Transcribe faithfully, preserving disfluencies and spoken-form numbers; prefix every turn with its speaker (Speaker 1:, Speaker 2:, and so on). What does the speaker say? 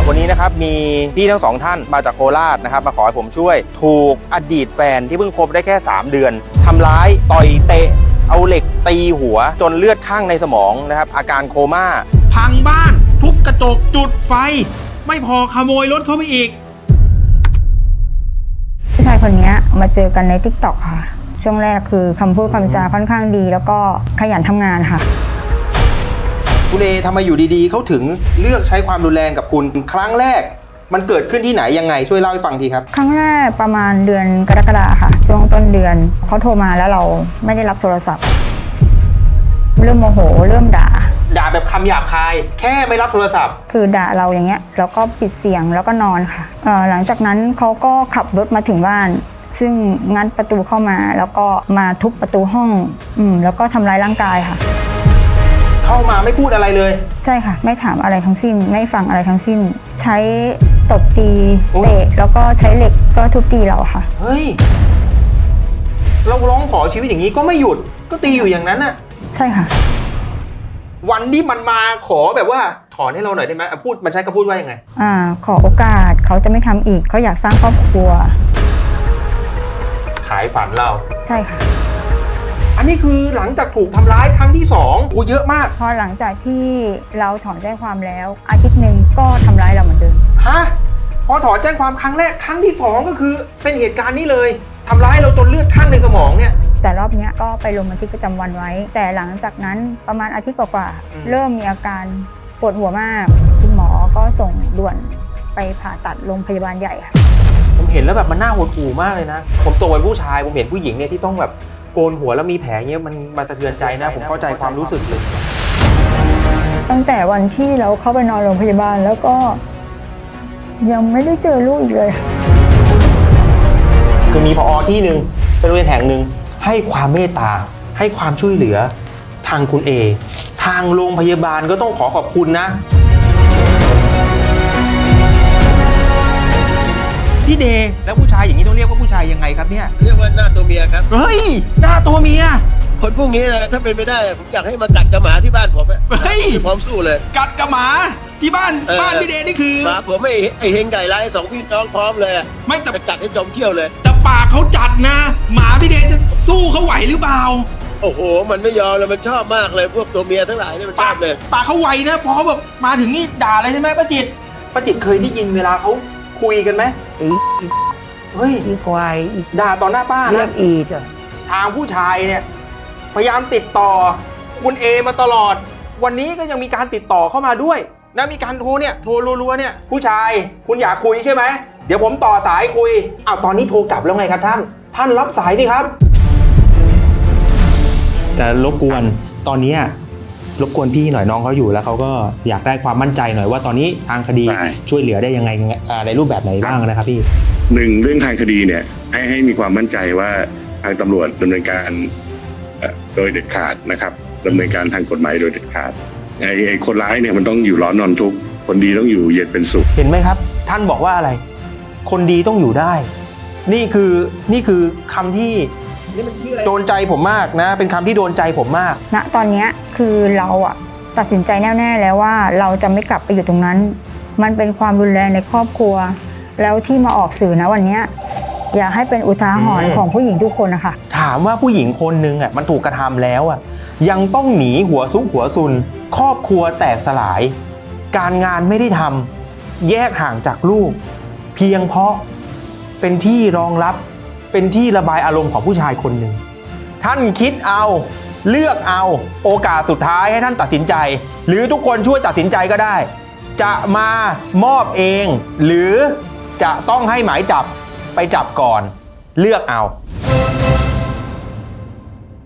Speaker 1: วันนี้นะครับมีพี่ทั้งสองท่านมาจากโคราชนะครับมาขอให้ผมช่วยถูกอดีตแฟนที่เพิ่งคบได้แค่สามเดือนทำร้ายต่อยเตะเอาเหล็กตีหัวจนเลือดข้างในสมองนะครับอาการโคม่า
Speaker 2: พังบ้านทุบกระจกจุดไฟไม่พอขโมยรถเขาไปอีก
Speaker 3: ผู้ชายคนนี้มาเจอกันใน ติ๊กต็อก ค่ะช่วงแรกคือคำพูดคำจาค่อนข้างดีแล้วก็ขยันทำงานค่ะ
Speaker 2: คุณเอทำไมอยู่ดีๆเขาถึงเลือกใช้ความรุนแรงกับคุณครั้งแรกมันเกิดขึ้นที่ไหนยังไงช่วยเล่าให้ฟังทีครับ
Speaker 3: ครั้งแรกประมาณเดือนกรกฎาคมค่ะช่วงต้นเดือนเขาโทรมาแล้วเราไม่ได้รับโทรศัพท์เริ่มโมโหเริ่มด่า
Speaker 2: ด่าแบบคำหยาบคายแค่ไม่รับโทรศัพท์
Speaker 3: คือด่าเราอย่างเงี้ยแล้วก็ปิดเสียงแล้วก็นอนค่ะเอ่อหลังจากนั้นเขาก็ขับรถมาถึงบ้านซึ่งงัดประตูเข้ามาแล้วก็มาทุบประตูห้องอืมแล้วก็ทำร้ายร่างกายค่ะ
Speaker 2: เข้ามาไม่พูดอะไรเลย
Speaker 3: ใช่ค่ะไม่ถามอะไรทั้งสิ้นไม่ฟังอะไรทั้งสิ้นใช้ตบตีเตะแล้วก็ใช้เหล็กก็ทุบตีเราค่ะ
Speaker 2: เฮ้ยเราร้องขอชีวิตอย่างนี้ก็ไม่หยุดก็ตีอยู่อย่างนั้นน่ะ
Speaker 3: ใช่ค่ะ
Speaker 2: วันที่มันมาขอแบบว่าถอนให้เราหน่อยได้ไหมพูดมันใช้คำพูดว่ายังไง
Speaker 3: อ่าขอโอกาสเขาจะไม่ทำอีกเขาอยากสร้างครอบครัว
Speaker 2: ขายฝันเรา
Speaker 3: ใช่ค่ะ
Speaker 2: อันนี้คือหลังจากถูกทำร้ายครั้งที่สองโอ้เยอะมาก
Speaker 3: พอหลังจากที่เราถอนแจ้งความแล้วอาทิตย์หนึ่งก็ทำร้ายเราเหมือนเดิม
Speaker 2: ฮะพอถอนแจ้งความครั้งแรกครั้งที่สองก็คือเป็นเหตุการณ์นี้เลยทำร้ายเราจนเลือดข้างในสมองเนี่ย
Speaker 3: แต่รอบนี้ก็ไปลงบันทึกประจำวันไว้แต่หลังจากนั้นประมาณอาทิตย์กว่าๆเริ่มมีอาการปวดหัวมากคุณหมอก็ส่งด่วนไปผ่าตัดโรงพยาบาลใหญ่ค่ะ
Speaker 2: ผมเห็นแล้วแบบมันน่าหดหู่มากเลยนะผมโตเป็นผู้ชายผมเห็นผู้หญิงเนี่ยที่ต้องแบบโกนหัวแล้วมีแผลเงี้ยมันมาสะเทือนใจนะผมเข้าใจความรู้สึกเลย
Speaker 3: ตั้งแต่วันที่เราเข้าไปนอนโรงพยาบาลแล้วก็ยังไม่ได้เจอลูกอีกเลย
Speaker 2: คือมีผอ.ที่หนึ่งเป็นโรงเรียนแห่งหนึ่งให้ความเมตตาให้ความช่วยเหลือทางคุณเอทางโรงพยาบาลก็ต้องขอขอบคุณนะพี่เดย์แล้วผู้ชายอย่างนี้ต้องเรียกว่าผู้ชายยังไงครับเนี่ย
Speaker 4: เรียกว่าหน้าตัวเมียครับ
Speaker 2: เฮ้ยหน้าตัวเมีย
Speaker 4: คนพวกนี้นะถ้าเป็นไม่ได้ผมอยากให้มากัดกระหมาที่บ้านผม
Speaker 2: เฮ้ย
Speaker 4: พร้อมสู้เลย
Speaker 2: กัดกระหมาที่บ้านบ้านพี่เดย์นี่คือ
Speaker 4: หมาผมไม่ไอเฮงไก่ไล่สองพี่น้องพร้อมเลย
Speaker 2: ไม่แต่
Speaker 4: กัดให้จมเขี้ยวเลย
Speaker 2: แต่ปากเขาจัดนะหมาพี่เดย์จะสู้เขาไหวหรือเปล่า
Speaker 4: โอ้โหมันไม่ยอมเลยมันชอบมากเลยพวกตัวเมียทั้งหลายนี่มันชอบเลย
Speaker 2: ปากเขาไหวนะพอเขาแบบมาถึงนี่ด่าเลยใช่ไหมป้าจิตป้าจิตเคยได้ยินเวลาเขาคุยกันไหมเฮ้ย
Speaker 5: อีควาย
Speaker 2: ด่าต่อหน้าป้า
Speaker 5: เรียกอีจ้ะ
Speaker 2: ทางผู้ชายเนี่ยพยายามติดต่อคุณเอมาตลอดวันนี้ก็ยังมีการติดต่อเข้ามาด้วยนะมีการโทรเนี่ยโทรรัวๆเนี่ยผู้ชายคุณอยากคุยใช่ไหมเดี๋ยวผมต่อสายคุยอ้าวตอนนี้โทรกลับแล้วไงครับท่านท่านรับสายดิครับจะรบกวนตอนนี้รบกวนพี่หน่อยน้องเขาอยู่แล้วเขาก็อยากได้ความมั่นใจหน่อยว่าตอนนี้ทางคดีช่วยเหลือได้ยังไงในรูปแบบไหนบ้างนะครับพี่
Speaker 6: หนึ่งเรื่องทางคดีเนี่ยให้ให้มีความมั่นใจว่าทางตำรวจดำเนินการโดยเด็ดขาดนะครับดำเนินการทางกฎหมายโดยเด็ดขาดไอ้ไอ้คนร้ายเนี่ยมันต้องอยู่ร้อนนอนทุกข์คนดีต้องอยู่เย็นเป็นสุข
Speaker 2: เห็นไหมครับท่านบอกว่าอะไรคนดีต้องอยู่ได้นี่คือนี่คือคำที่โดนใจผมมากนะเป็นคำที่โดนใจผมมาก
Speaker 3: ณตอนนี้คือเราอะตัดสินใจแน่ๆแล้วว่าเราจะไม่กลับไปอยู่ตรงนั้นมันเป็นความรุนแรงในครอบครัวแล้วที่มาออกสื่อนะวันนี้อยากให้เป็นอุทาหรณ์ของผู้หญิงทุกคนนะคะ
Speaker 2: ถามว่าผู้หญิงคนนึงอ่ะมันถูกกระทำแล้วอ่ะยังต้องหนีหัวซุกหัวซุนครอบครัวแตกสลายการงานไม่ได้ทำแยกห่างจากลูกเพียงเพราะเป็นที่รองรับเป็นที่ระบายอารมณ์ของผู้ชายคนหนึ่งท่านคิดเอาเลือกเอาโอกาสสุดท้ายให้ท่านตัดสินใจหรือทุกคนช่วยตัดสินใจก็ได้จะมามอบเองหรือจะต้องให้หมายจับไปจับก่อนเลือกเอา